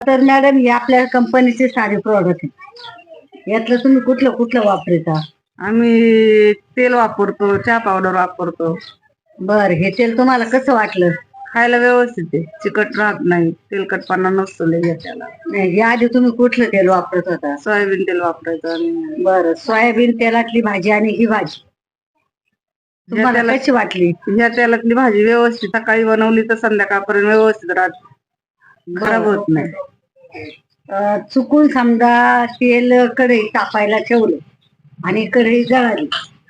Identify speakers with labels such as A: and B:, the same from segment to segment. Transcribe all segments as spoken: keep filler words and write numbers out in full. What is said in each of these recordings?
A: तर मॅडम हे आपल्या कंपनीचे सारे प्रॉडक्ट आहे. यातलं तुम्ही कुठलं कुठलं वापरता?
B: आम्ही तेल वापरतो, चहा पावडर वापरतो.
A: बर, हे तेल तुम्हाला कसं वाटलं?
B: खायला व्यवस्थित आहे, चिकट राहत नाही, तेलकटपणा नसतो लय त्याला.
A: नाही, या आधी तुम्ही कुठलं तेल वापरत होता?
B: सोयाबीन तेल वापरायचं आम्ही.
A: बरं, सोयाबीन तेलातली भाजी आणि ही भाजी तुम्हाला कशी वाटली?
B: ह्या तेलातली भाजी व्यवस्थित सकाळी बनवली तर संध्याकाळपर्यंत व्यवस्थित राहते, खराब होत नाही.
A: अं, चुकून समजा तेल कढई तापायला ठेवलं आणि कढई जळाली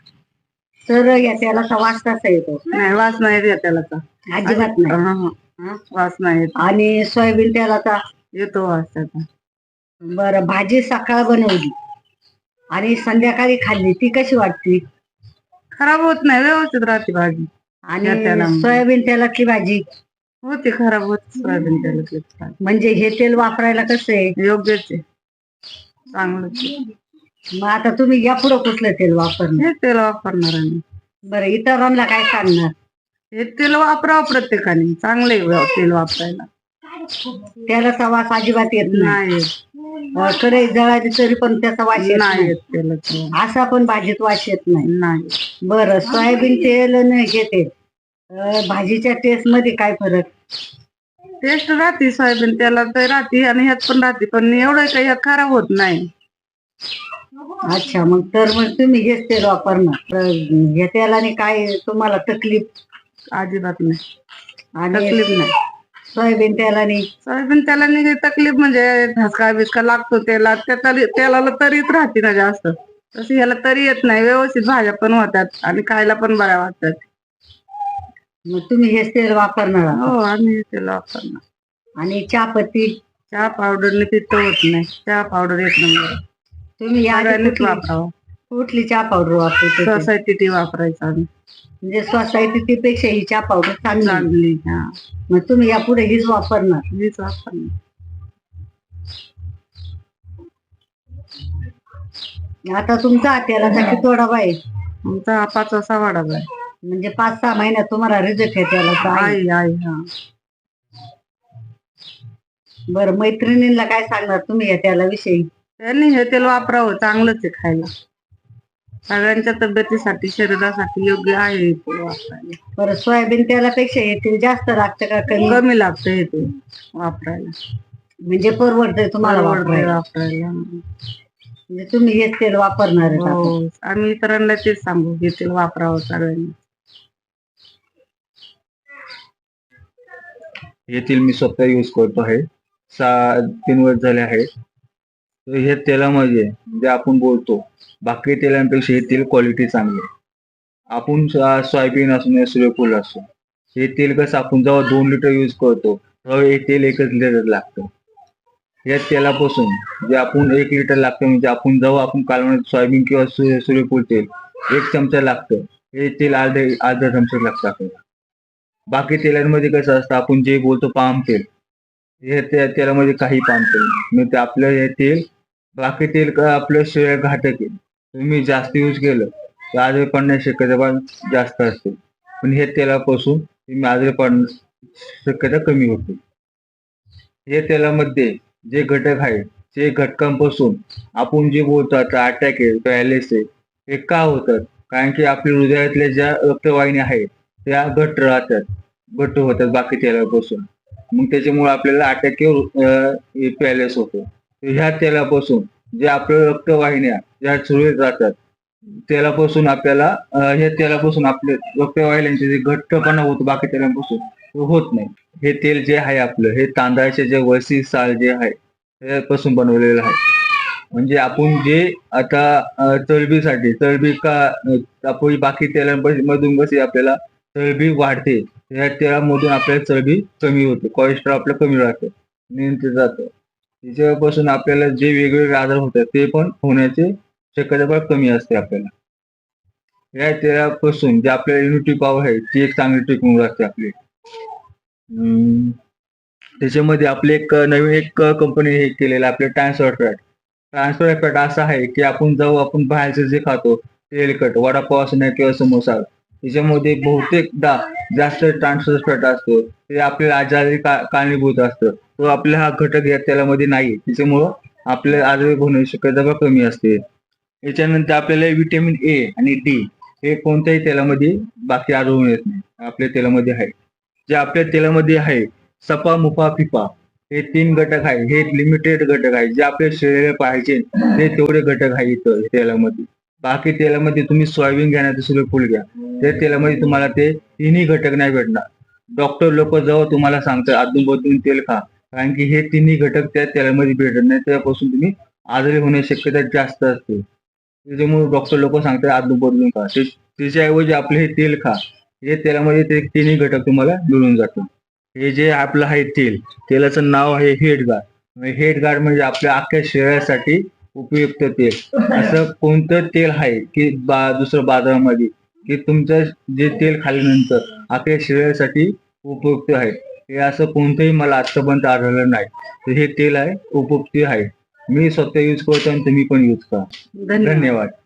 A: तर या तेलाचा वास कसा येतो?
B: नाही, वास नाही येत या तेलाचा,
A: अजिबात नाही.
B: हं, वास नाही येत.
A: आणि सोयाबीन तेलाचा
B: येतो वास त्याचा.
A: बरं, भाजी सकाळ बनवली आणि संध्याकाळी खाल्ली ती कशी वाटते?
B: खराब होत नाही, व्यवस्थित राहते भाजी.
A: आणि सोयाबीन तेलातली भाजी
B: होते खराब होत. सोयाबीन तेलातली
A: म्हणजे हे तेल वापरायला कसं आहे?
B: योग्यच आहे, चांगलंच.
A: मग आता तुम्ही या पुढे कुठलं तेल वापरणार?
B: हे तेल वापरणार आहे.
A: बरं, इतरांना काय सांगणार?
B: हे तेल वापरावं प्रत्येकाने, चांगले तेल वापरायला.
A: तेलाचा वास अजिबात येत नाही.
B: नाही,
A: कढई जळाली तरी पण त्याचा वास येत
B: नाही
A: नाही.
B: येत तेलाचा.
A: असा पण भाजीत वास येत नाही.
B: नाही.
A: बरं, सोयाबीन तेल आणि हे तेल अं, भाजीच्या टेस्ट मध्ये काय फरक?
B: टेस्ट राहते सोयाबीन तेलात राहते आणि ह्यात पण राहते, पण एवढं काही ह्यात खराब होत नाही.
A: अच्छा, मग तर मग तुम्ही हेच तेल वापरणार. तर या तेलाने काय तुम्हाला तकलीफ?
B: अजिबात नाही,
A: आणि
B: तकलीफ नाही.
A: सोयाबीन तेलाने
B: सोयाबीन तेलाने काही तकलीफ म्हणजे धसका बिसका लागतो तेलात, त्या तरी तेलाला तरीच राहते ना जास्त, तशी ह्याला तरी येत नाही. व्यवस्थित भाज्या पण होतात आणि खायला पण बऱ्या वाटतात.
A: मग तुम्ही हेच तेल वापरणार आता?
B: हो, आम्ही हे तेल वापरणार.
A: आणि चहापत्ती?
B: चहा पावडरने पित्त होत नाही, चहा पावडर एक नंबर.
A: तुम्ही या आधी
B: सगळ्यांनीच
A: कुठली
B: वापरावं.
A: कुठली चहा पावडर वापरते?
B: सोसायटी टी वापरायचं आम्ही.
A: म्हणजे सोसायटी पेक्षा ही चहा पावडर चांगली.
B: चांगली. हा,
A: मग तुम्ही यापुढे हीच वापरणार?
B: हीच वापरणार.
A: आता तुमचा तेलाचा किती डबा आहे?
B: आमचा हा पाचवा सहावा डबा आहे.
A: म्हणजे पाच सहा महिन्यात तुम्हाला रिझल्ट आहे तेलाचा?
B: आहे आहे. हा.
A: बरं, मैत्रिणींना काय सांगणार तुम्ही या तेलाविषयी?
B: त्यांनी हे तेल वापरावं, चांगलंच आहे खायला. सगळ्यांच्या तब्येतीसाठी, शरीरासाठी योग्य आहे हे तेल वापरायला.
A: बरं, सोयाबीन तेलापेक्षा हे तेल जास्त लागतं का कमी?
B: कमी लागतं हे तेल वापरायला,
A: म्हणजे परवडतंय तुम्हाला वापरायला?
B: वापरायला
A: म्हणजे तुम्ही हेच तेल वापरणार आहे?
B: हो, आम्ही इतरांना तेच सांगू, हे तेल वापरावं सगळ्यांनी.
C: हे तेल मी स्वतः यूज करतो आहे, सहा तीन वर्ष झाले आहे. तर हे तेलामध्ये जे आपण बोलतो बाकी तेलांपेक्षा हे तेल क्वालिटी चांगली आहे. आपण सोयाबीन असो या सूर्यफूल असो, हे तेल कसं आपण जेव्हा दोन लिटर यूज करतो तेव्हा हे तेल एकच लिटर लागतं. या तेलापासून जे आपण एक लिटर लागतं, म्हणजे आपण जेव्हा आपण कालवण सोयाबीन किंवा सूर्यफूल तेल एक चमचा लागतं, हे तेल अर्धे अर्धा चमचा लागतं आपल्याला. बाकी तेलांमध्ये कसं असतं, आपण जे बोलतो पाम तेल, हे तेलामध्ये काही पाम तेल नाही. ते आपलं हे तेल बाकी तेल आपल्या शरीर घातक आहे. तुम्ही जास्त यूज केलं तर आजारी पडण्याची शक्यता पण जास्त असते, पण हे तेलापासून तुम्ही आजारी पडण्याची शक्यता कमी होते. हे तेलामध्ये जे घटक आहेत ते घटकांपासून आपण जे बोलतो आता अटॅक आहे, पॅरालिस आहे, हे का होतात? कारण की आपल्या हृदयातल्या ज्या रक्तवाहिन्या आहेत त्या घट्ट राहतात, घट्ट होतात बाकी तेलापासून. मग त्याच्यामुळे आपल्याला अटॅक किंवा पॅरालिस होतो. ह्या तेलापासून जे आपल्या रक्तवाहिन्या ज्या सुरळीत राहतात तेलापासून आपल्याला ह्या तेलापासून आपले रक्तवाहिन्यांचे जे घट्टपणा होतो बाकी तेलापासून होत नाही. हे तेल जे आहे आपलं, हे तांदळाचे जे वसी साल जे आहे त्यापासून बनवलेलं आहे. म्हणजे आपण जे आता चरबीसाठी चरबी का आपण बाकी तेलांमधून कशी आपल्याला चरबी वाढते, या तेलामधून आपल्याला चरबी कमी होते, कोलेस्ट्रॉल आपलं कमी राहतं, नियंत्रित जातं. त्याच्यापासून आपल्याला जे वेगवेगळे आजार होतात ते पण होण्याची शक्यता पण कमी असते आपल्याला. या तेलापासून जे आपल्याला इम्युनिटी पॉवर आहे ती एक चांगली टिकून राहते आपली. त्याच्यामध्ये आपले एक नवीन एक कंपनी हे केलेलं आपले ट्रान्सफर फॅट. ट्रान्सफर फॅट असं आहे की आपण जाऊ आपण बाहेरचं जे खातो तेलकट वडापाव असं नाही किंवा समोसा, त्याच्यामध्ये बहुतेकदा जास्त ट्रान्सफर फॅट असतो, ते आपल्याला आजारी का- कारणीभूत असतं. तो आपला हा घटक या तेलामध्ये नाही, त्याच्यामुळं आपल्याला आजारी होण्याची शक्यता कमी असते. याच्यानंतर आपल्याला व्हिटॅमिन ए आणि डी हे कोणत्याही तेलामध्ये बाकी आढळून येत नाही, आपल्या तेलामध्ये आहे. जे आपल्या तेलामध्ये आहे सपा मुफा फिफा हे तीन घटक आहे, हे लिमिटेड घटक आहे. जे आपल्या शरीराला पाहिजे ते तेवढे घटक आहे इथं तेलामध्ये. बाकी तेलामध्ये तुम्ही सोयाबीन घ्या नाही तर सूर्यफूल घ्या, त्या तेलामध्ये तुम्हाला ते तिन्ही घटक नाही भेटणार. डॉक्टर लोक जेव्हा तुम्हाला सांगतात अदून बदलून तेल खा, कारण की हे तिन्ही घटक त्या तेलामध्ये भेटत नाही, त्यापासून तुम्ही आजारी होण्याची शक्यता जास्त असते. त्याच्यामुळे डॉक्टर लोक सांगतात अदून बदलून खा, ते- त्याच्याऐवजी आपले हे तेल खा, हे तेलामध्ये ते तिन्ही घटक तुम्हाला मिळून जातात. हे जे आपलं आहे तेल, तेलाचं नाव आहे हेड गार्ड. हेड गार्ड म्हणजे आपल्या अख्ख्या शरीरासाठी उपयुक्त तेल. असं कोणतं तेल आहे की बा दुसरं बाजारामध्ये की तुमचं जे तेल खाल्ल्यानंतर अख्ख्या शरीरासाठी उपयुक्त आहे, हे असं कोणतंही मला आतापर्यंत आढळलं नाही. तर हे तेल आहे उपयुक्त आहे. मी स्वतः यूज करतो आणि तुम्ही पण यूज करा.
B: धन्यवाद.
C: धन्यवाद.